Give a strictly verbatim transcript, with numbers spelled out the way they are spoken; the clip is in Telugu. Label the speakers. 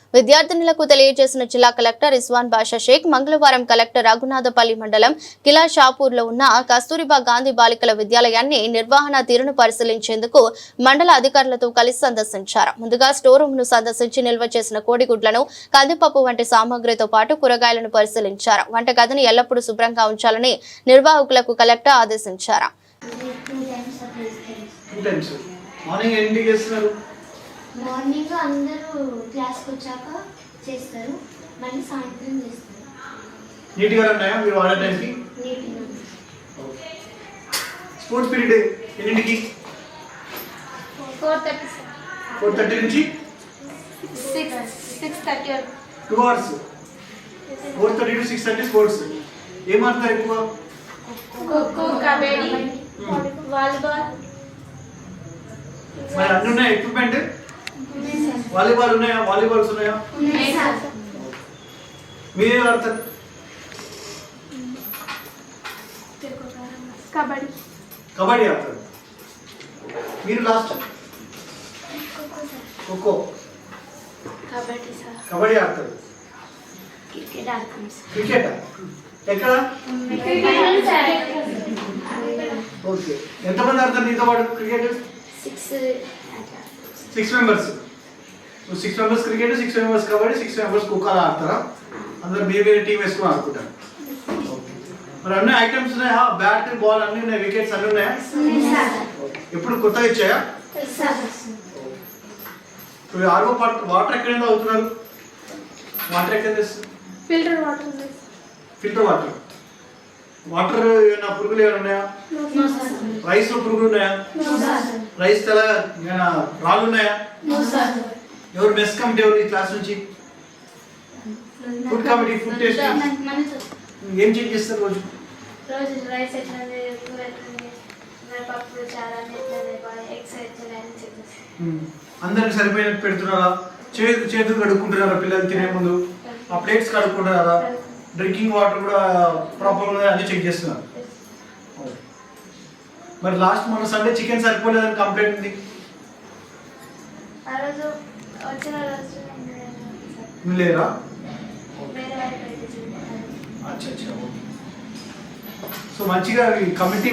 Speaker 1: విద్యార్థినులకు తెలియజేసిన జిల్లా కలెక్టర్ రిజ్వాన్ బాషా షేక్ మంగళవారం కలెక్టర్ రఘునాథపల్లి మండలం కిలా షాపూర్లో ఉన్న కస్తూరిబా గాంధీ బాలికల విద్యాలయాన్ని నిర్వహణ తీరును పరిశీలించేందుకు మండల అధికారులతో కలిసి సందర్శించారు. ముందుగా స్టోర్ రూమ్ ను సందర్శించి నిల్వ చేసిన కోడిగుడ్లను, కందిపప్పు వంటి సామాగ్రితో పాటు కూరగాయలను పరిశీలించారు. వంటగదిని ఎల్లప్పుడూ శుభ్రంగా ఉంచాలని నిర్వాహకులకు కలెక్టర్ ఆదేశించారు.
Speaker 2: మార్నింగ్ అందరూ క్లాస్కి వచ్చాక చేస్తారు, మళ్ళీ సాయంత్రం చేస్తారు.
Speaker 3: నీట్గా ఉన్నాయా మీరు వాడే టైంకి?
Speaker 2: నీట్గా.
Speaker 3: స్పోర్ట్స్ పీరియడ్ ఎన్నింటికి?
Speaker 2: ఫోర్ థర్టీ
Speaker 3: ఫోర్ థర్టీ నుంచి
Speaker 2: సిక్స్ సిక్స్ థర్టీ వరకు
Speaker 3: two hours. Four thirty to six thirty sports. ఏం ఆడతారు ఎక్కువ?
Speaker 2: ఖోఖో, కబడ్డీ, వాలీబాల్.
Speaker 3: మరి అన్ని ఉన్నాయా ఎక్విప్మెంట్? వాలీబాల్ ఉన్నాయా? వాలీబాల్స్ ఉన్నాయా? మీరేం ఆడతారు?
Speaker 2: కబడ్డీ.
Speaker 3: కబడ్డీ ఆడతారు. మీరు లాస్ట్ ఖోఖో,
Speaker 2: కబడ్డీ సార్.
Speaker 3: కబడ్డీ ఆడతారు.
Speaker 2: క్రికెట్ ఆడతాం సార్.
Speaker 3: క్రికెట్ ఎక్కడ? ఓకే. ఎంతమంది ఆడతారు నీతో పాటు cricket?
Speaker 2: Six
Speaker 3: six members. Six members cricket, six members kabaddi, six members kho kho ఆడతారా? అందరు వేరే వేరే టీం వేసుకుని ఆడుకుంటారు. మరి అన్ని ఐటమ్స్ ఉన్నాయా? బ్యాట్, బాల్ అన్ని ఉన్నాయి, వికెట్స్ అన్ని ఉన్నాయా? ఎప్పుడు కొత్తగా ఇచ్చాయా? ఆర్వో వాటర్ ఎక్కడ అవుతున్నారు? వాటర్ ఎక్కడ తెస్తారు?
Speaker 2: Filter water.
Speaker 3: Filter water. Water ఏమైనా పురుగులు ఏమైనా ఉన్నాయా? రైస్ లో పురుగులు ఉన్నాయా? రైస్ తెల ఏమైనా రాళ్ళు ఉన్నాయా? ఎవరు మెస్ కమిటీ ఎవరు ఈ క్లాస్ నుంచి? ఫుడ్ కమిటీ, ఫుడ్ టేస్ట్ ఏం చేంజ్ చేస్తారు రోజు?
Speaker 2: రోజు రైస్ ఎట్లా, కూర ఎట్లా, పప్పు చాలా ఎగ్స్ ఎట్లా
Speaker 3: అందరికి సరిపోయినట్టు పెడుతున్నారా? చేతు చేతులు కడుక్కుంటున్నారా పిల్లలు తినే ముందు? ఆ ప్లేట్స్ కడుక్కుంటున్నారా? డ్రింకింగ్ వాటర్ కూడా ప్రాపర్గా అన్ని చెక్ చేస్తున్నారు. మరి లాస్ట్ మన సండే చికెన్ సరిపోలేదని కంప్లైంట్ ఉంది. లేరా? అచ్చా అచ్చా. సో మంచిగా కమిటీ